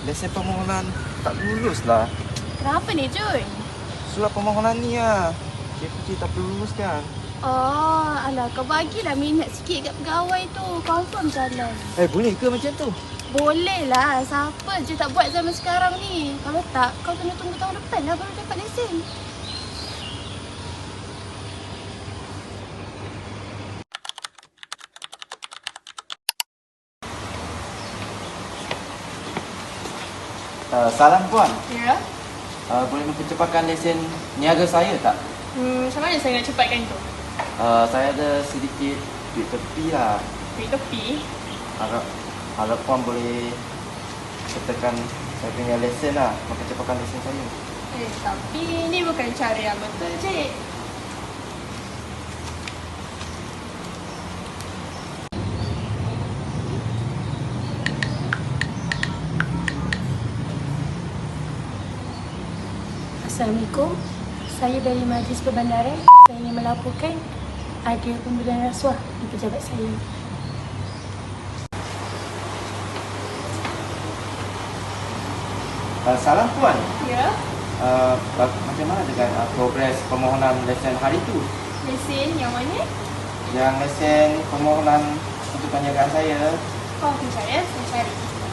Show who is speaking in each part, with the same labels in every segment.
Speaker 1: lesen permohonan tak lulus lah.
Speaker 2: Kenapa ni, Jun?
Speaker 1: Surat permohonan ni lah. KPJ tak perlu lulus kan?
Speaker 2: Oh, alah kau bagilah minat sikit kat pegawai tu. Confirm jalan.
Speaker 1: Boleh ke macam tu?
Speaker 2: Boleh lah. Siapa je tak buat zaman sekarang ni. Kalau tak, kau kena tunggu tahun depan lah baru dapat lesen.
Speaker 1: Salam puan.
Speaker 2: Ya?
Speaker 1: Boleh mempercepatkan lesen niaga saya tak?
Speaker 2: Macam mana saya nak cepatkan tu?
Speaker 1: Saya ada sedikit duit tepi lah.
Speaker 2: Duit tepi?
Speaker 1: Harap puan boleh sertakan saya punya lesen lah. Mempercepatkan lesen saya.
Speaker 2: Tapi ni bukan cara yang betul, Cik. Assalamualaikum. Saya dari Majlis Perbandaran. Saya ingin melaporkan ada pemberian rasuah di pejabat saya.
Speaker 1: Salam puan.
Speaker 2: Ya?
Speaker 1: Macam mana dengan progres permohonan lesen hari tu?
Speaker 2: Lesen yang mana?
Speaker 1: Yang lesen permohonan untuk perniagaan saya.
Speaker 2: Oh, saya cari.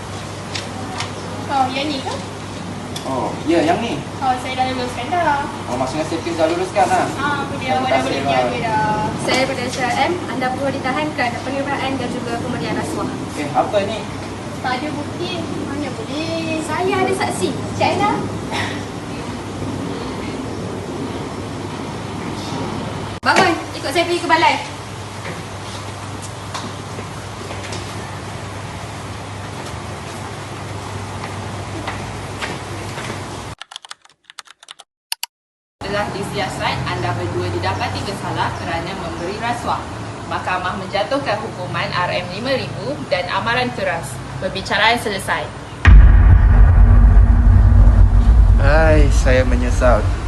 Speaker 2: Oh, yang ni ke?
Speaker 1: Oh, ya yang ni.
Speaker 2: Oh, saya dah luluskan dah.
Speaker 1: Maksudnya safety dah luluskan lah.
Speaker 2: Apa dia? Awak dah boleh niaga dah.
Speaker 3: Saya daripada SRM, anda perlu ditahan kerana penerimaan dan juga pemberian rasuah.
Speaker 1: Apa ni?
Speaker 2: Tak ada bukti. Mana boleh?
Speaker 3: Saya ada saksi. Cik Aina. Bangun, ikut saya pergi ke balai.
Speaker 4: Telah disiasat anda berdua didapati bersalah kerana memberi rasuah. Mahkamah menjatuhkan hukuman RM5,000 dan amaran keras. Perbicaraan selesai.
Speaker 1: Saya menyesal.